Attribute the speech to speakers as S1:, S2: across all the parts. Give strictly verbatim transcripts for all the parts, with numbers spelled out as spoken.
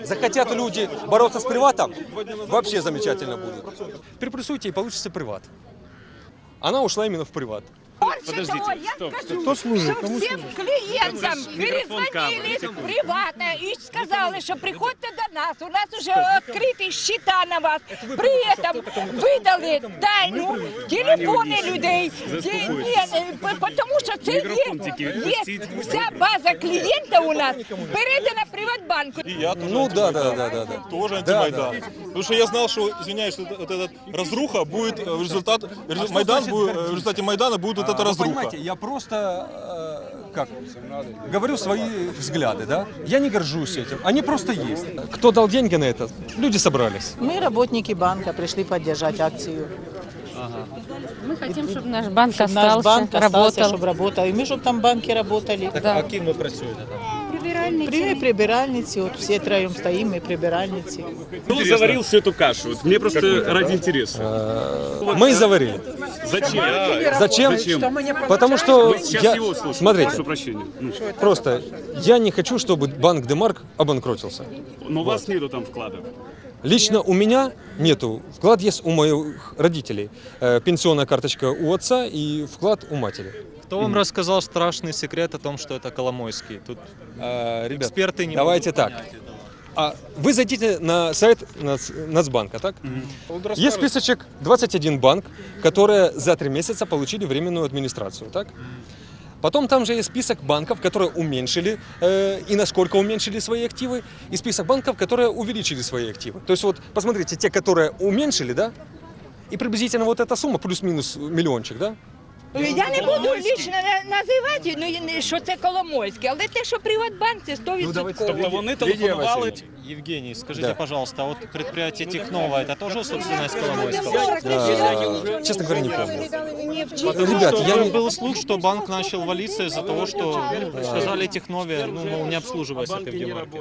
S1: Захотят люди бороться с приватом, вообще замечательно будет. Переплюсуйте и получится приват. Она ушла именно в приват.
S2: Подождите, стоп, стоп.
S3: Хто служить? Кому
S4: Всім
S3: служить?
S4: клієнтам
S2: Мікрофон камери,
S4: перезвонили
S2: секунду.
S4: приватно і сказали, що приходьте до нас, у нас вже відкриті счета на вас. При этом видали тайну телефони людей.
S2: Заспокойтесь.
S4: Тому що це
S2: Мікрофон тільки
S4: є,
S2: відпустіть.
S4: є вся база клієнта у нас передана Приватбанку.
S5: И я тоже
S1: Ну да, да,
S5: антимайдан.
S1: да, да, да.
S5: Тоже
S1: Да,
S5: антимайдан. Потому что я знал, что, извиняюсь, что вот эта разруха будет э, в результат, резу- Майдан
S1: значит
S5: будет, э,
S1: гордиться?
S5: в результате Майдана будет вот эта
S1: Вы
S5: разруха.
S1: понимаете, я просто, э, как, говорю свои взгляды, да? Я не горжусь этим, они просто есть. Кто дал деньги на это? Люди собрались.
S6: Мы, работники банка, пришли поддержать акцию.
S7: Мы хотим, чтобы наш банк
S6: Чтобы наш
S7: остался,
S6: банк остался,
S7: работал.
S6: чтобы работал. И мы, чтобы там банки работали.
S7: Да.
S3: Ким ви працюєте там?
S6: При прибиральницы, вот все троем стоим, мы прибиральницы.
S2: Кто заварил всю эту кашу? Вот мне просто ради интереса.
S1: Мы и заварили.
S2: Зачем?
S1: Зачем?
S2: Зачем?
S1: Потому что
S2: Мы сейчас
S1: я,
S2: его слушаем.
S1: смотрите,
S2: Прошу прощения. Ну,
S1: просто я не хочу, чтобы банк Демарк обанкротился.
S2: но у вас нету там вкладов.
S1: Лично у меня нету. Вклад есть у моих родителей. Э, Пенсионная карточка у отца и вклад у матери.
S8: Кто вам рассказал страшный секрет о том, что это Коломойский? Тут
S1: Э, Ребят,
S8: эксперты не
S1: давайте
S8: могут
S1: так.
S8: понять этого.
S1: А вы зайдите на сайт Нац- Нацбанка, так? Есть списочек двадцать один банк, которые за три месяца получили временную администрацию, так? Потом там же есть список банков, которые уменьшили э, и насколько уменьшили свои активы, и список банков, которые увеличили свои активы. То есть вот посмотрите, те, которые уменьшили, да, и приблизительно вот эта сумма плюс-минус миллиончик, да?
S4: Я не буду лично на- називати, ну, і не- що це Коломойське, але те, що Приватбанк, це сто відсотків.
S8: Тобто вони телефонували, Евгений, скажите,
S1: Да.
S8: пожалуйста, а вот предприятие Технова, это тоже собственность Коломойского?
S1: Э, честно говоря, не помню.
S8: Потому
S1: Ребят,
S8: что
S1: я не...
S8: был слух, что банк начал валиться из-за того, что ну, сказали Технове, ну, мол, не обслуживайся ты в Демарке.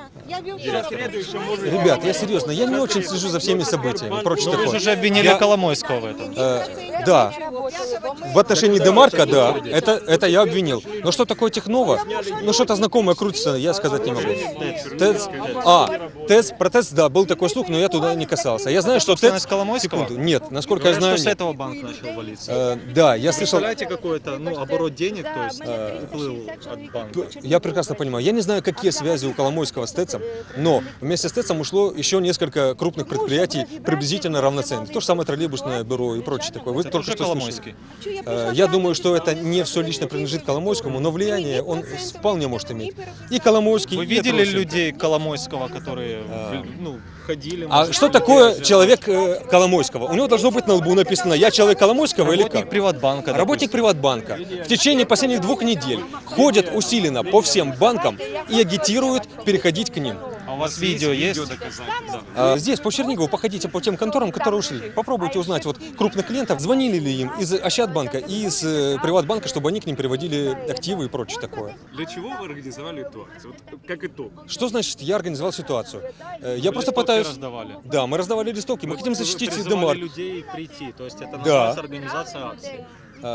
S1: Ребят, я серьезно, я не очень слежу за всеми событиями, прочее
S8: Вы
S1: такое.
S8: же обвинили
S1: Я-
S8: Коломойского в этом.
S1: Э, да, в отношении Демарка, да, это, это я обвинил. Но что такое Технова? Ну что-то знакомое крутится, я сказать не могу. ТЭЦ, а, ТЭЦ, про ТЭЦ, да, был такой слух, но я туда не касался. Я знаю, что ТЭЦ...
S8: Собственность Коломойского?
S1: Секунду, нет, насколько я знаю,
S8: Говорят, что с
S1: нет.
S8: этого банк начал валиться.
S1: Э, да, я слышал...
S8: Представляете, какой-то ну, оборот денег, то есть уплыл от банка.
S1: Я прекрасно понимаю. Я не знаю, какие связи у Коломойского с ТЭЦом, но вместе с ТЭЦом ушло еще несколько крупных предприятий, приблизительно равноценных. То же самое троллейбусное бюро и прочее такое. Вы только
S8: Уже
S1: что
S8: Коломойский.
S1: слышали. Э, Я думаю, что это не все лично принадлежит Коломойскому, но влияние он вполне может иметь. И Коломойский,
S8: Вы
S1: и
S8: видели
S1: прочие.
S8: людей Коломойского, которые ну, ходили?
S1: А
S8: может,
S1: что такое человек э, Коломойского? У него должно быть на лбу написано «Я человек Коломойского» или
S8: Работник
S1: как?
S8: Приватбанка.
S1: Работник Приватбанка в течение последних двух недель ходят усиленно по всем банкам и агитируют переходить к ним.
S8: А у вас видео есть?
S1: А здесь, по Чернигову, походите по тем конторам, которые ушли. Попробуйте узнать вот крупных клиентов, звонили ли им из Ощадбанка и из э, Приватбанка, чтобы они к ним переводили активы и прочее такое.
S2: Для чего вы организовали эту акцию? Вот как итог.
S1: Что значит я организовал ситуацию? Э, Я просто
S8: Листовки
S1: пытаюсь...
S8: раздавали.
S1: Да, мы раздавали листовки, мы хотим
S8: Вы
S1: защитить
S8: призывали
S1: Демарк.
S8: людей прийти, то есть это
S1: Да.
S8: называется организация акции.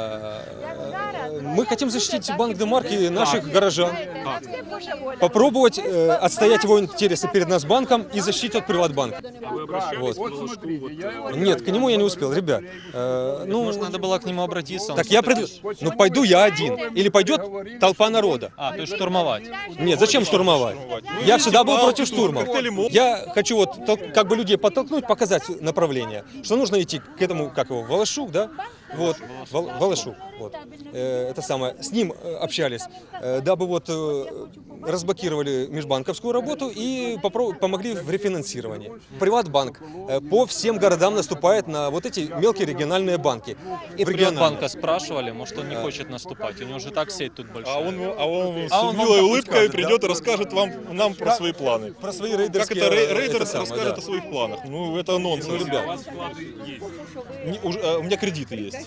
S1: Э, Мы хотим защитить банк Демарк и наших горожан. Попробовать э, отстоять его интересы перед нас банком и защитить от Приватбанка.
S2: А вы обращались
S1: Вот.
S2: к Волошку? Вот, э,
S1: Нет, к нему я не успел, ребят. Э,
S8: Ну,
S1: Ну,
S8: может, надо было к нему обратиться. он
S1: так я
S8: всё-таки-
S1: пред... Ну, пойду я один. Или пойдет толпа народа.
S8: А, то есть штурмовать.
S1: Нет, зачем штурмовать? Я всегда был против штурмов. Я хочу вот тол- как бы людей подтолкнуть, показать направление, что нужно идти к этому, как его, Волошук, да? Вот, Вол- Волошук, вот. Э, Это самое, с ним э, общались, э, дабы вот э, разблокировали межбанковскую работу и попро- помогли в рефинансировании. Приватбанк э, по всем городам наступает на вот эти мелкие региональные банки.
S8: И
S1: В региональные.
S8: Приватбанка спрашивали, может, он не хочет наступать. У него же так сеть тут большая.
S5: А он, а он с
S1: А он вам
S5: милой
S1: так
S5: улыбкой
S1: скажет,
S5: придет
S1: да?
S5: и расскажет вам, нам про свои планы.
S1: Про свои
S5: Как
S1: рейдерские...
S5: это рей-
S1: э,
S5: рейдер
S1: это самое,
S5: расскажет
S1: да.
S5: о своих планах? Ну, это нонсенс.
S1: Ну, ребят.
S5: Не- уже, э, у меня кредиты есть.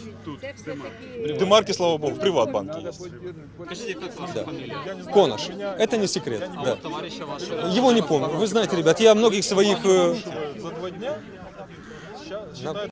S5: В Демарке, слава богу, в Приватбанке есть.
S8: Скажите, как ваша
S1: Да.
S8: фамилия?
S1: Конош. Это не секрет. Да.
S8: Товарища вашего.
S1: Его не помню. Вы знаете, ребят, я многих своих... э,
S5: За два дня
S1: на-